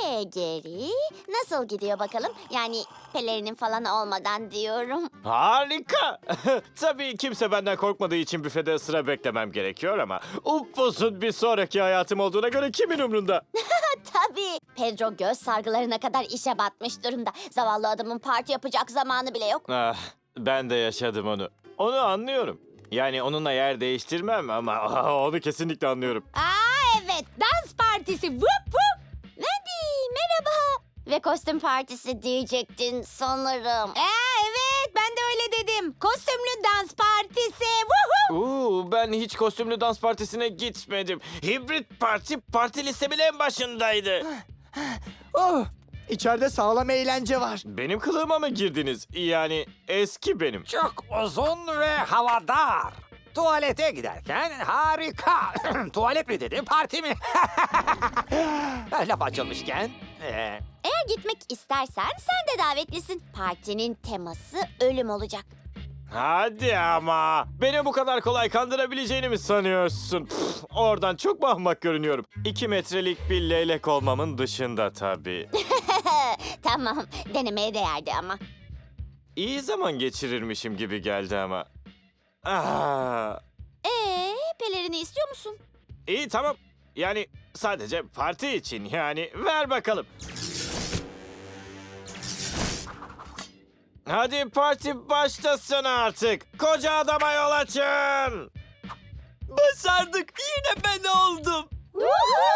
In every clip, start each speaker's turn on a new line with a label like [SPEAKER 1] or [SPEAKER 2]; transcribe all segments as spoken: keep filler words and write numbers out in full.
[SPEAKER 1] Ee Geri, nasıl gidiyor bakalım? Yani pelerinin falan olmadan diyorum.
[SPEAKER 2] Harika. Tabii kimse benden korkmadığı için büfede sıra beklemem gerekiyor ama upuzun bir sonraki hayatım olduğuna göre kimin umrunda?
[SPEAKER 1] Tabii. Pedro göz sargılarına kadar işe batmış durumda. Zavallı adamın parti yapacak zamanı bile yok.
[SPEAKER 2] Ah, ben de yaşadım onu. Onu anlıyorum. Yani onunla yer değiştirmem ama onu kesinlikle anlıyorum.
[SPEAKER 1] Aa evet, dans partisi. Vup vup. Wendy, merhaba. Ve kostüm partisi diyecektin sanırım.
[SPEAKER 3] Ee, evet ben de öyle dedim. Kostümlü dans partisi. Woohoo!
[SPEAKER 2] Uuu, ben hiç kostümlü dans partisine gitmedim. Hibrit parti parti listemin en başındaydı.
[SPEAKER 4] Oh, içeride sağlam eğlence var.
[SPEAKER 2] Benim kılığıma mı girdiniz? Yani eski benim.
[SPEAKER 5] Çok uzun ve havadar. Tuvalete giderken harika. Tuvalet mi dedim, parti mi? Laf açılmışken. ee,
[SPEAKER 1] Eğer gitmek istersen sen de davetlisin. Partinin teması ölüm olacak.
[SPEAKER 2] Hadi ama. Beni bu kadar kolay kandırabileceğini mi sanıyorsun? Pf, oradan çok mu ahmak görünüyorum? İki metrelik bir leylek olmamın dışında tabii.
[SPEAKER 1] Tamam, denemeye değerdi ama.
[SPEAKER 2] İyi zaman geçirirmişim gibi geldi ama. Ah,
[SPEAKER 1] Ee, pelerini istiyor musun?
[SPEAKER 2] iyi tamam. Yani sadece parti için yani. Ver bakalım. Hadi parti başlasın artık. Koca adama yol açın.
[SPEAKER 4] Başardık. Yine ben oldum.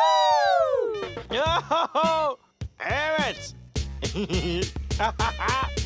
[SPEAKER 2] Yahu! Evet.